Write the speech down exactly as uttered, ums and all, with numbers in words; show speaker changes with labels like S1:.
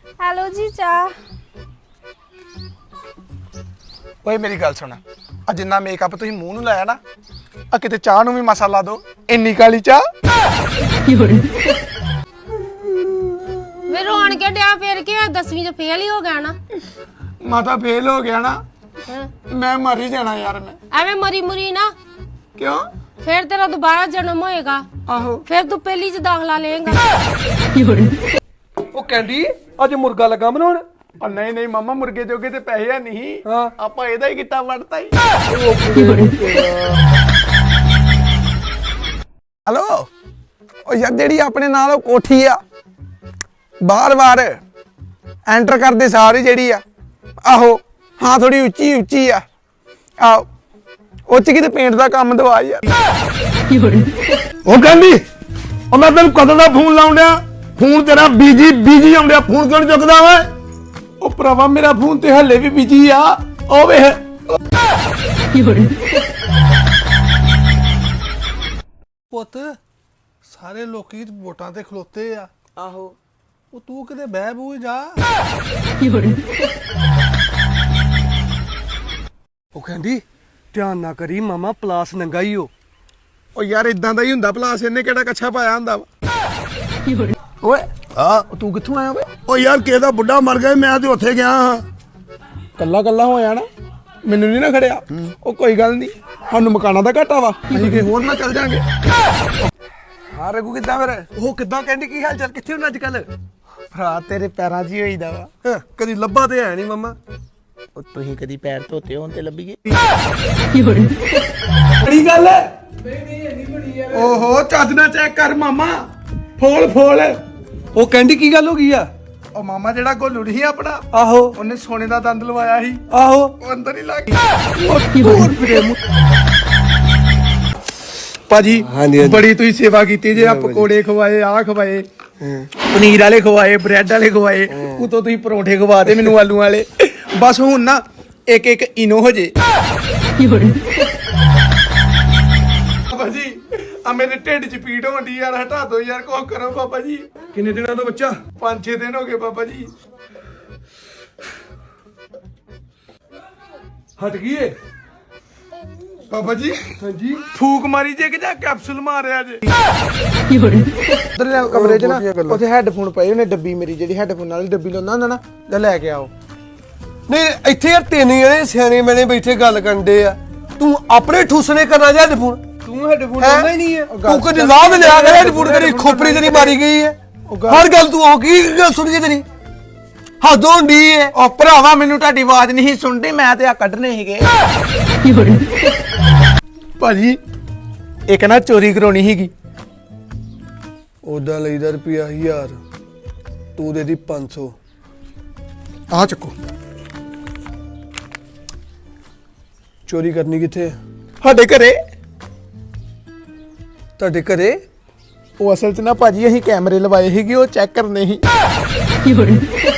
S1: Hello जी चाह।
S2: ਓਏ ਮੇਰੀ ਗੱਲ ਸੁਣ ਆ ਜਿੰਨਾ ਮੇਕਅਪ ਤੁਸੀਂ ਮੂੰਹ ਨੂੰ ਲਾਇਆ ਨਾ ਆ ਕਿਤੇ ਚਾਹ ਨੂੰ ਵੀ ਮਸਾ ਲਾ ਦੋ ਇੰਨੀ ਕਾਲੀ ਚਾਹ
S1: ਵੇ ਰੋਣ ਕੇ ਡਿਆ ਫੇਰ ਕੀ ਹੋਇਆ ਦਸਵੀਂ ਚ ਫੇਲ ਹੀ ਹੋ ਗਿਆ ਨਾ।
S2: ਮਾਤਾ ਫੇਲ ਹੋ ਗਿਆ ਨਾ
S1: ਹਾਂ।
S2: ਮੈਂ ਮਰ ਹੀ ਜਾਣਾ ਯਾਰ ਮੈਂ
S1: ਐਵੇਂ ਮਰੀ ਮੁਰੀ ਨਾ
S2: ਕਿਉਂ
S1: फिर तेरा दोबारा जन्म होएगा
S2: ਆਹੋ
S1: फिर तू पहली च दाखला लेगा।
S3: ਉਹ ਕਹਿੰਦੀ ਅੱਜ ਮੁਰਗਾ ਲੱਗਾ ਬਣਾਉਣ।
S2: ਆ ਨਹੀਂ ਨਹੀਂ ਮਾਮਾ ਮੁਰਗੇ ਜੋਗੇ ਤੇ ਪੈਸੇ ਆ ਨਹੀਂ
S3: ਹਾਂ
S2: ਆਪਾਂ ਇਹਦਾ ਹੀ ਕੀਤਾ ਵੜਤਾ ਹੀ ਹਲੋ ਉਹ ਯਾਰ ਜਿਹੜੀ ਆਪਣੇ ਨਾਲ ਉਹ ਕੋਠੀ ਆ ਬਾਰ-ਬਾਰ ਐਂਟਰ ਕਰਦੇ ਸਾਰੀ ਜਿਹੜੀ ਆ ਆਹੋ ਹਾਂ ਥੋੜੀ ਉੱਚੀ ਉੱਚੀ ਆ ਆਹੋ ਉਹ ਚ ਕਿਤੇ ਪੇਂਟ ਦਾ ਕੰਮ ਦਵਾ ਯਾਰ ਉਹ ਕਹਿੰਦੀ ਉਹ ਮੈਂ ਤੈਨੂੰ ਕਦੋਂ ਦਾ ਫੋਨ ਲਾਉਂਦਿਆ ਫੋਨ ਤੇਰਾ ਬੀਜੀ ਬੀਜੀ ਆਉਂਦਿਆ ਫੋਨ ਕਿਉਂ ਨਹੀਂ ਚੁੱਕਦਾ ਓਏ ਉਹ ਭਰਾਵਾ ਮੇਰਾ ਫੋਨ ਤੇ ਹੱਲੇ ਵੀ ਬੀਜੀ ਆ ਉਹ ਵੇਖ
S3: ਪੁੱਤ ਸਾਰੇ ਲੋਕੀ ਵੋਟਾਂ ਤੇ ਖਲੋਤੇ ਆ।
S2: ਆਹੋ
S3: ਉਹ ਤੂੰ ਕਿਤੇ ਬਹਿ ਬੂ ਜਾ। ਉਹ ਕਹਿੰਦੀ ਧਿਆਨ ਨਾ ਕਰੀ ਮਾਮਾ ਪਲਾਸ ਨੰਗਾ ਹੀ ਹੋ।
S2: ਉਹ ਯਾਰ ਇਦਾਂ ਦਾ ਹੀ ਹੁੰਦਾ ਪਲਾਸ ਇਹਨੇ ਕਿਹੜਾ ਕੱਛਾ ਪਾਇਆ ਹੁੰਦਾ ਵਾ ਓਏ
S4: ਹਾਂ
S2: ਤੂੰ ਕਿੱਥੋਂ ਆਇਆ ਓਏ
S4: ਉਹ ਯਾਰ ਕਿਹਦਾ ਬੁੱਢਾ ਮਰ ਗਿਆ ਮੈਂ ਤੇ ਉੱਥੇ ਗਿਆ ਹਾਂ।
S2: ਕੱਲਾ ਕੱਲਾ ਹੋਇਆ ਨਾ ਮੈਨੂੰ ਨਹੀਂ ਨਾ ਖੜਿਆ ਉਹ ਕੋਈ ਗੱਲ ਨਹੀਂ ਸਾਨੂੰ ਮਕਾਨਾਂ ਦਾ ਘਾਟਾ ਵਾ ਅਸੀਂ ਕਿ ਹੋਰ ਨਾ ਚੱਲ ਜਾਾਂਗੇ ਹਾਂ ਰਘੂ ਕਿੱਦਾਂ ਫਿਰ
S3: ਉਹ ਕਿੱਦਾਂ ਕਹਿੰਦੀ ਕੀ ਹਾਲ ਚਾਲ ਕਿੱਥੇ ਹੁਣ ਅੱਜ ਕੱਲ?
S2: ਭਰਾ ਤੇਰੇ ਪੈਰਾਂ 'ਚ ਹੀ ਹੋਈਦਾ ਵਾ
S3: ਕਦੀ ਲੱਭਾ ਤੇ ਹੈ ਨਹੀਂ ਮਾਮਾ।
S2: ਉਹ ਤੁਸੀਂ ਕਦੀ ਪੈਰ ਧੋਤੇ ਹੋਣ ਤੇ ਲੱਭੀਏ ਬੜੀ ਗੱਲ ਹੈ ਨਹੀਂ ਨਹੀਂ ਇੰਨੀ ਬੜੀ ਯਾਰ ਓਹੋ ਚੱਜ ਨਾਲ ਚੈੱਕ ਕਰ ਮਾਮਾ ਫੋਲ ਫੋਲ
S3: ਉਹ ਕਹਿੰਦੀ ਕੀ ਗੱਲ ਹੋ ਗਈ ਆ?
S2: ਉਹ ਮਾਮਾ ਜਿਹੜਾ ਗੋਲੂ ਸੀ ਆਪਣਾ
S3: ਆਹੋ
S2: ਉਹਨੇ ਸੋਨੇ ਦਾ ਦੰਦ ਲਵਾਇਆ ਸੀ
S3: ਆਹੋ
S2: ਉਹ ਅੰਦਰ ਹੀ ਲੱਗ ਗਿਆ ਭਾਜੀ
S3: ਹਾਂਜੀ, ਹਾਂਜੀ।
S2: ਬੜੀ ਤੁਸੀਂ ਸੇਵਾ ਕੀਤੀ ਜੇ ਆ ਪਕੌੜੇ ਖਵਾਏ ਆ ਖਵਾਏ ਪਨੀਰ ਵਾਲੇ ਖਵਾਏ ਬ੍ਰੈਡ ਵਾਲੇ ਖਵਾਏ ਉਤੋਂ ਤੁਸੀਂ ਪਰੌਂਠੇ ਖਵਾਤੇ ਮੈਨੂੰ ਆਲੂ ਵਾਲੇ ਬਸ ਹੁਣ ਨਾ ਇੱਕ ਇੱਕ ਇਨੋ ਹੋ ਜੇ ਬਾਬਾ ਜੀ ਆ ਮੇਰੇ ਢਿੱਡ 'ਚ ਪੀੜ ਹੋਣੀ ਯਾਰ ਹਟਾ ਦਿਓ ਯਾਰ ਕੋ ਕਰੋ ਬਾਬਾ ਜੀ
S3: ਕਿੰਨੇ ਦਿਨਾਂ ਦਾ ਬੱਚਾ?
S2: ਪੰਜ ਛੇ ਦਿਨ ਹੋ ਗਏ ਬਾਬਾ ਜੀ
S3: ਹਟ ਗਈ ਏ?
S2: ਬਾਬਾ ਜੀ
S3: ਹਾਂਜੀ
S2: ਫੂਕ ਮਾਰੀ ਜੇ ਕਿ ਜਾਂ ਕੈਪਸੂਲ ਮਾਰਿਆ ਜੇ ਉਧਰ ਕਮਰੇ 'ਚ ਨਾ ਉੱਥੇ ਹੈੱਡਫੋਨ ਪਏ ਉਹਨੇ ਡੱਬੀ ਮੇਰੀ ਜਿਹੜੀ ਹੈੱਡਫੋਨ ਵਾਲੀ ਡੱਬੀ ਲਾਉਂਦਾ ਹੁੰਦਾ ਨਾ ਜਾ ਲੈ ਕੇ ਆਓ
S3: ਨਹੀਂ ਇੱਥੇ ਯਾਰ ਤਿੰਨ ਜਣੇ ਸਿਆਣੇ ਮੈਨੇ ਬੈਠੇ ਗੱਲ ਕਰਦੇ ਆ ਤੂੰ ਆਪਣੇ ਠੂਸਣੇ ਕਰਨਾ ਜਾਂ ਹੈਡਫੋਨ?
S2: ਤੂੰ ਹੈੱਡਫੋਨ
S3: ਲਾਉਂਦਾ ਹੀ ਨਹੀਂ ਹੈ ਤੂੰ ਕੁਝ ਲਾਭ ਲਿਆ ਕਰ ਹੈਡਫੋਨ ਤੇਰੀ ਖੋਪੜੀ ਤੇਰੀ ਮਾਰੀ ਗਈ ਹੈ ਹਰ ਗੱਲ ਤੂੰ ਉਹ ਕੀ ਗੱਲ ਸੁਣ ਗਈ ਤੇਰੀ ਹੱਦ ਹੁੰਦੀ ਹੈ।
S2: ਉਹ ਭਰਾਵਾ ਮੈਨੂੰ ਤੁਹਾਡੀ ਆਵਾਜ਼ ਨਹੀਂ ਸੁਣਦੀ ਮੈਂ ਤੇ ਆ ਕੱਢਨੇ ਸੀਗੇ ਭਾਜੀ ਇੱਕ ਨਾ ਚੋਰੀ ਕਰਾਉਣੀ ਸੀਗੀ
S3: ਉਹਦਾ ਲਈਦਾ ਰੁਪਿਆ ਹਜ਼ਾਰ ਤੂੰ ਦੇ ਦੀ ਪੰਜ ਸੌ।
S2: ਆ ਚੱਕੋ
S3: ਚੋਰੀ ਕਰਨੀ ਕਿੱਥੇ?
S2: ਸਾਡੇ ਘਰੇ
S3: ਤੁਹਾਡੇ ਘਰੇ?
S2: ਉਹ ਅਸਲ 'ਚ ਨਾ ਭਾਜੀ ਅਸੀਂ ਕੈਮਰੇ ਲਵਾਏ ਸੀਗੇ ਉਹ ਚੈੱਕ ਕਰਨੇ ਸੀ